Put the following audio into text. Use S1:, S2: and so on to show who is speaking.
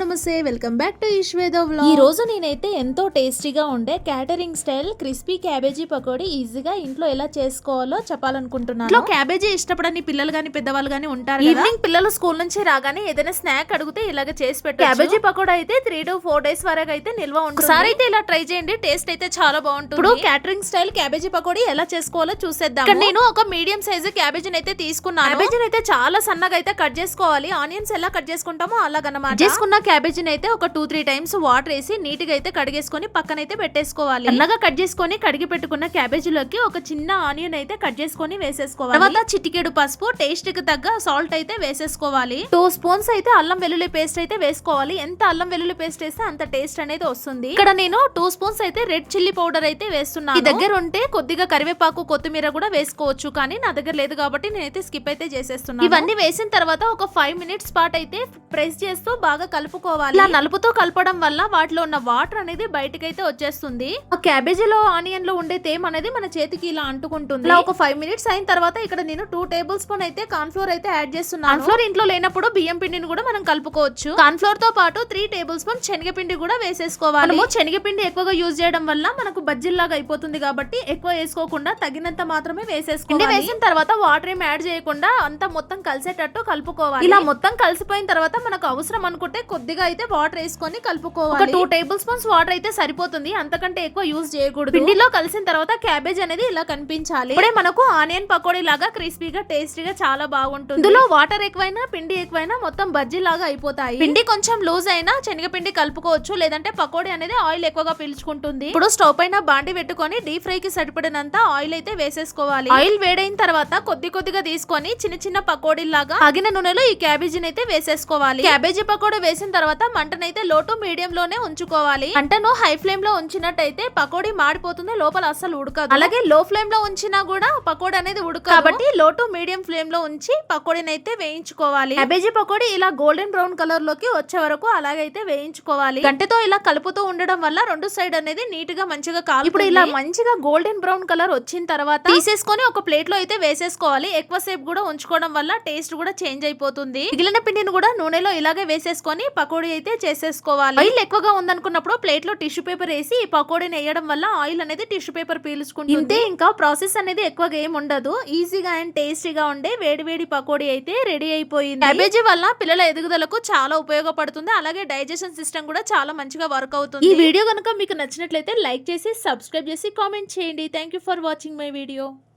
S1: నమస్తే, welcome back to ఈశ్వేద vlog.
S2: ఈ రోజు నేనైతే ఎంతో టేస్టీగా ఉండే catering style crispy cabbage pakodi ఈజీగా ఇంట్లో ఎలా చేసుకోవాలో చెప్పాలనుకుంటున్నాను.
S1: ఇంట్లో క్యాబేజీ ఇష్టపడని పిల్లలు గానీ పెద్దవాళ్ళు గానీ ఉంటారు. ఈవినింగ్ పిల్లలు స్కూల్ నుంచి రాగానే ఏదైనా స్నాక్ అడిగితే ఇలాగ చేసి పెట్టు. క్యాబేజీ పకోడా అయితే 3 to 4 days వరకు అయితే నిల్వ ఉంటుంది. ఒకసారి అయితే ఇలా ట్రై చేయండి, టేస్ట్ అయితే చాలా బాగుంటుంది. ఇప్పుడు క్యాటరింగ్ స్టైల్ క్యాబేజీ పకోడీ ఎలా చేసుకోవాలో చూసేద్దాం. ఇక్కడ నేను ఒక మీడియం సైజు క్యాబేజీని అయితే తీసుకున్నాను. క్యాబేజీని అయితే చాలా సన్నగా అయితే కట్ చేసుకోవాలి. ఆనియన్స్ ఎలా కట్ చేసుకుంటామో అలాగనమాట. చేసుకున్న క్యాబేజీని అయితే ఒక 2-3 times వాటర్ వేసి నీట్ గా అయితే కడిగేసుకొని పక్కనైతే పెట్టేసుకోవాలి. సన్నగా కట్ చేసుకొని కడిగి పెట్టుకున్న క్యాబేజీలోకి ఒక చిన్న ఆనియన్ అయితే కట్ చేసుకొని వేసేసుకోవాలి. తర్వాత చిటికెడు పసుపు, టేస్ట్ కి తగ్గ సాల్ట్ అయితే వేసేసుకోవాలి. 2 spoons అయితే అల్లం వెల్లుల్లి పేస్ట్ అయితే వేసుకోవాలి. ఎంత అల్లం వెల్లుల్లి పేస్ట్ వేస్తే అంత టేస్ట్ అనేది వస్తుంది. ఇక్కడ నేను 2 spoons అయితే రెడ్ చిల్లీ పౌడర్ అయితే వేస్తున్నాను. మీ దగ్గర ఉంటే కొద్దిగా కరివేపాకు, కొత్తిమీర కూడా వేసుకోవచ్చు, కానీ నా దగ్గర లేదు కాబట్టి నేనైతే స్కిప్ అయితే చేసేస్తున్నాను. ఇవన్నీ వేసిన తర్వాత ఒక 5 minutes పాటు అయితే ప్రెస్ చేస్తూ బాగా కలుపుకోవాలి. ఇలా నలుపుతో కలపడం వల్ల వాటిలో ఉన్న వాటర్ అనేది బయటకైతే వచ్చేస్తుంది. ఆ క్యాబేజీలో ఆనియన్ లో ఉండే తేమ అనేది మన చేతికి ఇలా అంటుకుంటుంది. ఇలా ఒక 5 minutes అయిన తర్వాత ఇక్కడ నేను 2 tablespoons అయితే కార్న్ ఫ్లోర్ అయితే యాడ్ చేస్తున్నాను. కార్న్ ఫ్లోర్ ఇంట్లో లేనప్పుడు బియ్యం పిండిని కూడా మనం కలుపుకోవచ్చు. కార్న్ ఫ్లోర్ తో పాటు 3 tablespoons శనగపిండి కూడా వేసేసుకోవాలి. మనము శనగపిండి ఎక్కువగా యూజ్ చేయడం వల్ల మనకు బజ్జీల్లాగా అయిపోతుంది కాబట్టి ఎక్కువ వేసుకోకుండా తగినంత మాత్రమే వేసేసుకోవాలి. వేసిన తర్వాత వాటర్ ఏం యాడ్ చేయకుండా అంతా మొత్తం కలిసేటట్టు కలుపుకోవాలి. ఇలా మొత్తం కలిసిపోయిన తర్వాత మనకు అవసరం అనుకుంటే కొద్దిగా అయితే వాటర్ వేసుకొని కలుపుకోవాలి. ఒక 2 tablespoons వాటర్ అయితే సరిపోతుంది, అంతకంటే ఎక్కువ యూజ్ చేయకూడదు. పిండిలో కలిసిన తర్వాత క్యాబేజ్ అనేది ఇలా కనిపించాలి. ఇప్పుడే మనకు ఆనియన్ పకోడీ లాగా క్రిస్పీగా టేస్టీగా చాలా బాగుంటుంది. ఇందులో వాటర్ ఎక్కువైనా పిండి ఎక్కువైనా మొత్తం బజ్జీ లాగా అయిపోతాయి. పిండి కొంచెం లూజ్ అయినా శనగపిండి కలుపుకోవచ్చు, లేదంటే పకోడీ అనేది ఆయిల్ ఎక్కువగా పీల్చుకుంటుంది. ఇప్పుడు స్టవ్ పైన బాండి పెట్టుకొని డీప్ ఫ్రై కి సరిపడినంత ఆయిల్ అయితే వేసేసుకోవాలి. ఆయిల్ వేడైన తర్వాత కొద్దిగా తీసుకొని చిన్న చిన్న పకోడీ లాగా ఆగిన నూనెలో ఈ క్యాబేజీని అయితే వేసేసుకోవాలి. క్యాబేజీ పకోడీ వేసిన తర్వాత మంటనైతే లో టు మీడియం లోనే ఉంచుకోవాలి. మంటను హై ఫ్లేమ్ లో ఉంచినట్టయితే పకోడీ మాడిపోతుంది, లోపల అస్సలు ఉడకదు. అలాగే లో ఫ్లేమ్ లో ఉంచినా కూడా పకోడీ అనేది ఉడకదు. కాబట్టి లో టు మీడియం ఫ్లేమ్ లో ఉంచి పకోడీని అయితే వేయించుకోవాలి. క్యాబేజీ పకోడీ ఇలా గోల్డెన్ బ్రౌన్ కలర్ లోకి వచ్చే వరకు అలాగైతే వేయించుకోవాలి. గంటెతో ఇలా కలుపుతూ ఉండడం వల్ల రెండు సైడ్ అనేది నీట్ గా మంచిగా కాలు. ఇప్పుడు ఇలా మంచిగా గోల్డెన్ బ్రౌన్ కలర్ వచ్చిన తర్వాత తీసేసుకొని ఒక ప్లేట్ లో అయితే వేసేసుకోవాలి. ఎక్కువ సేపు కూడా ఉంచుకోవడం వల్ల టేస్ట్ కూడా చేంజ్ అయిపోతుంది. మిగిలిన పిండిని కూడా నూనెలో ఇలాగే వేసేసుకొని పకోడీ అయితే చేసేసుకోవాలి. ఆయిల్ ఎక్కువగా ఉందనుకున్నప్పుడు ప్లేట్ లో టిష్యూ పేపర్ వేసి ఈ పకోడీని వేయడం వల్ల ఆయిల్ అనేది టిష్యూ పేపర్ పీల్చుకుంటుంది. ఇంతే, ఇంకా ప్రాసెస్ అనేది ఎక్కువగా ఏం ఉండదు. ఈజీగా అండ్ టేస్టీగా ఉండే వేడి పకోడీ అయితే రెడీ అయిపోయింది. క్యాబేజీ వల్ల పిల్లల ఎదుగుదలకు చాలా ఉపయోగపడుతుంది. అలాగే డైజెషన్ సిస్టమ్ కూడా చాలా మంచిగా వర్క్ అవుతుంది. ఈ వీడియో కనుక మీకు నచ్చినట్లయితే లైక్ చేసి సబ్స్క్రైబ్ చేసి కామెంట్ చేయండి. Thank you for watching my video.